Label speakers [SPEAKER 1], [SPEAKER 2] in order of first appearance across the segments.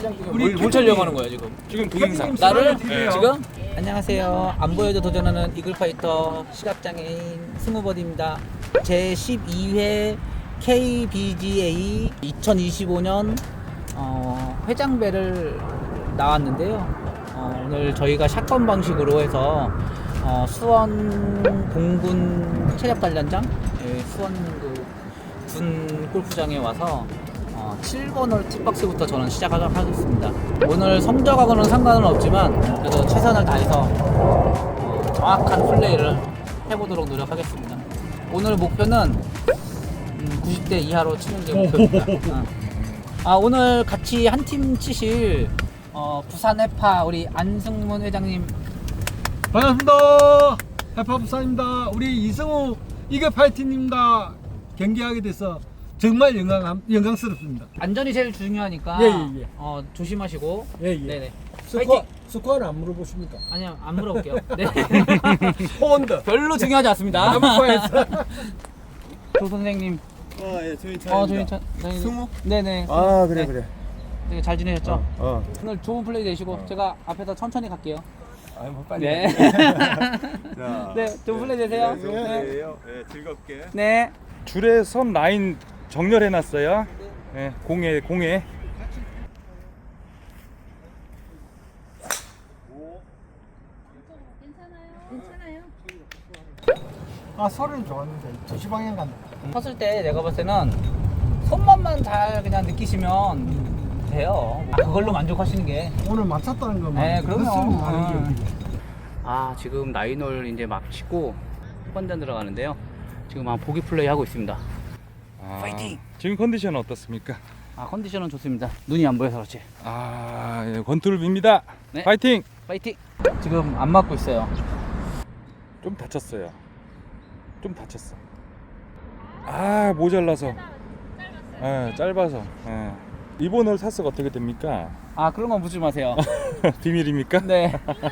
[SPEAKER 1] 뭘 촬영 하는 거야 지금?
[SPEAKER 2] 지금 동영상.
[SPEAKER 1] 나를
[SPEAKER 2] 네.
[SPEAKER 1] 지금? 안녕하세요. 안 보여도 도전하는 이글파이터 시각장애인 스무버디입니다. 제 12회 KBGA 2025년 회장배를 나왔는데요. 오늘 저희가 샷건 방식으로 해서 수원 공군 체력단련장, 수원 군 골프장에 와서 7번 홀 티박스부터 저는 시작하도록 하겠습니다. 오늘 성적하고는 상관은 없지만 그래도 최선을 다해서 정확한 플레이를 해보도록 노력하겠습니다. 오늘 목표는 90대 이하로 치는 게 목표입니다. 오늘 같이 한 팀 치실 부산 해파 우리 안승문 회장님
[SPEAKER 3] 반갑습니다. 해파 부산입니다. 우리 이승우 이글파이터님과 경기하게 돼서 정말 영광스럽습니다.
[SPEAKER 1] 안전이 제일 중요하니까
[SPEAKER 3] 예.
[SPEAKER 1] 조심하시고
[SPEAKER 3] 예.
[SPEAKER 1] 파이팅!
[SPEAKER 3] 스코어는 안 물어보십니까?
[SPEAKER 1] 아니요, 안 물어볼게요. 네.
[SPEAKER 3] 포원드
[SPEAKER 1] 별로 중요하지 않습니다. 조 선생님.
[SPEAKER 4] 저희 차입니다.
[SPEAKER 1] 저희
[SPEAKER 4] 승우?
[SPEAKER 1] 네네.
[SPEAKER 4] 그래.
[SPEAKER 1] 되게 잘 지내셨죠?
[SPEAKER 4] 어.
[SPEAKER 1] 오늘 좋은 플레이 되시고 제가 앞에서 천천히 갈게요.
[SPEAKER 4] 빨리.
[SPEAKER 1] 네.
[SPEAKER 4] 자,
[SPEAKER 1] 네, 좋은 플레이 되세요.
[SPEAKER 4] 좋은 플레이예요. 네, 즐겁게.
[SPEAKER 1] 네.
[SPEAKER 2] 줄에 선 라인 정렬해 놨어요. 네, 공에.
[SPEAKER 3] 아 소리는 좋았는데 2시 방향 간다.
[SPEAKER 1] 쳤을 때 내가 봤을 때는 손맛만 잘 그냥 느끼시면 돼요. 그걸로 만족하시는 게.
[SPEAKER 3] 오늘 맞췄다는 것만.
[SPEAKER 1] 네, 그럼요.
[SPEAKER 3] 그것은 다른 게
[SPEAKER 1] 지금 나인홀 이제 막 치고 후반전 들어가는데요. 지금 보기 플레이 하고 있습니다. 파이팅!
[SPEAKER 2] 지금 컨디션은 어떻습니까?
[SPEAKER 1] 컨디션은 좋습니다. 눈이 안 보여서 그렇지.
[SPEAKER 2] 예, 권투를 빕니다.
[SPEAKER 1] 네.
[SPEAKER 2] 파이팅!
[SPEAKER 1] 파이팅! 지금 안 맞고 있어요.
[SPEAKER 2] 좀 다쳤어요. 모자라서. 짧아서. 이번 홀 타수가 어떻게 됩니까?
[SPEAKER 1] 그런 건 묻지 마세요.
[SPEAKER 2] 비밀입니까?
[SPEAKER 1] 네.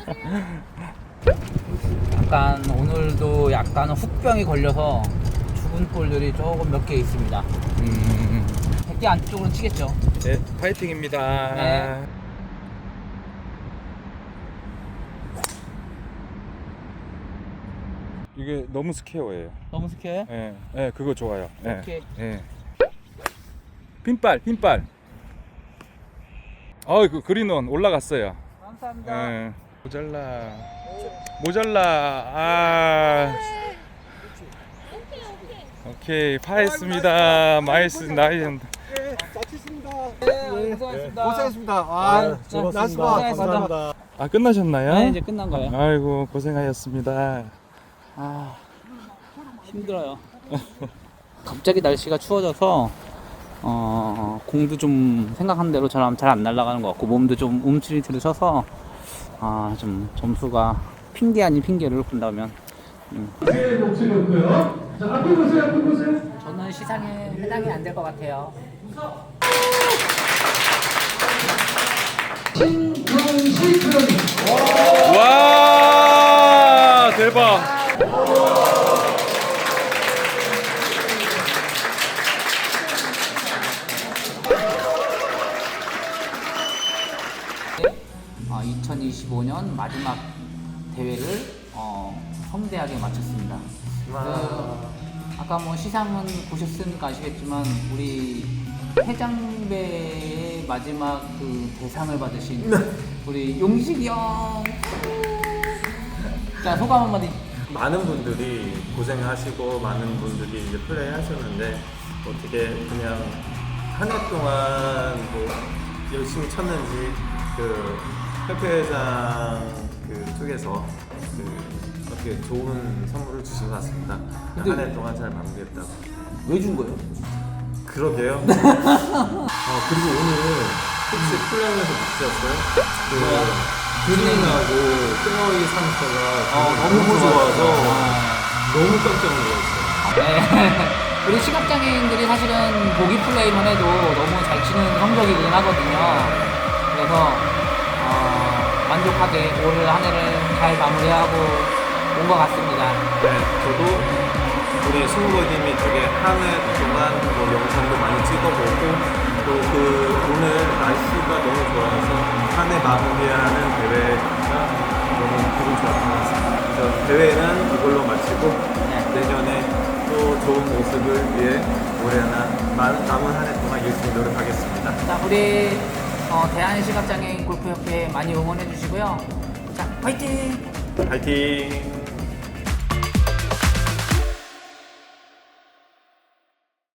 [SPEAKER 1] 약간 오늘도 약간 훅병이 걸려서 죽은 볼들이 조금 몇 개 있습니다. 100개 안쪽으로는 치겠죠.
[SPEAKER 2] 네, 파이팅입니다.
[SPEAKER 1] 네.
[SPEAKER 2] 이게 너무 스퀘어예요.
[SPEAKER 1] 너무 스케어요?
[SPEAKER 2] 네, 그거 좋아요. 네.
[SPEAKER 1] 오케이.
[SPEAKER 2] 네. 핀발. 그 그린온 올라갔어요.
[SPEAKER 1] 감사합니다.
[SPEAKER 2] 네. 모자라. 오케이, 파했습니다. 나이스.
[SPEAKER 3] 다쳤습니다.
[SPEAKER 1] 네, 고생하셨습니다.
[SPEAKER 3] 고생했습니다.
[SPEAKER 1] 고생하셨습니다.
[SPEAKER 2] 끝나셨나요?
[SPEAKER 1] 네, 이제 끝난 거예요.
[SPEAKER 2] 아이고, 고생하셨습니다.
[SPEAKER 1] 힘들어요. 갑자기 날씨가 추워져서 공도 좀 생각한 대로 잘 안 날아가는 것 같고 몸도 좀 움츠리들으셔서 좀 점수가 핑계 아닌 핑계를 본다면 저는 시상에 해당이 안 될 것 같아요.
[SPEAKER 2] 와, 대박.
[SPEAKER 1] 아, 2025년 마지막 대회를 성대하게 마쳤습니다. 아까 시상은 보셨으니까 아시겠지만 우리 회장배의 마지막 대상을 받으신 우리 용식이 형. 자, 소감 한마디.
[SPEAKER 4] 많은 분들이 고생하시고 많은 분들이 이제 플레이 하셨는데 어떻게 그냥 한 해 동안 열심히 쳤는지 협회회장 쪽에서 어떻게 좋은 선물을 주신 것 같습니다. 한 해 동안 잘 마무리했다고.
[SPEAKER 1] 왜 준 거예요?
[SPEAKER 4] 그러게요. 그리고 오늘 혹시 플레이에서 느끼셨어요? 그린하고 페어웨이 상태가 너무 좋아서 너무 깜짝 놀랐어요.
[SPEAKER 1] 네. 우리 시각장애인들이 사실은 보기 플레이만 해도 너무 잘 치는 성적이긴 하거든요. 그래서 만족하게 올 한 해를 잘 마무리하고 온 것 같습니다.
[SPEAKER 4] 네, 저도 우리 승우버님이 되게 한 해 동안 영상도 많이 찍어보고 또 오늘 날씨가 너무 좋아서 한 해 마무리하는 대회가 너무 기분 좋았던 것 같습니다. 그래서 대회는 이걸로 마치고 내년에 또 좋은 모습을 위해 올해 남은 한 해 동안 열심히 노력하겠습니다.
[SPEAKER 1] 자, 우리 대한시각장애인 골프협회 많이 응원해 주시고요. 자, 화이팅!
[SPEAKER 4] 파이팅!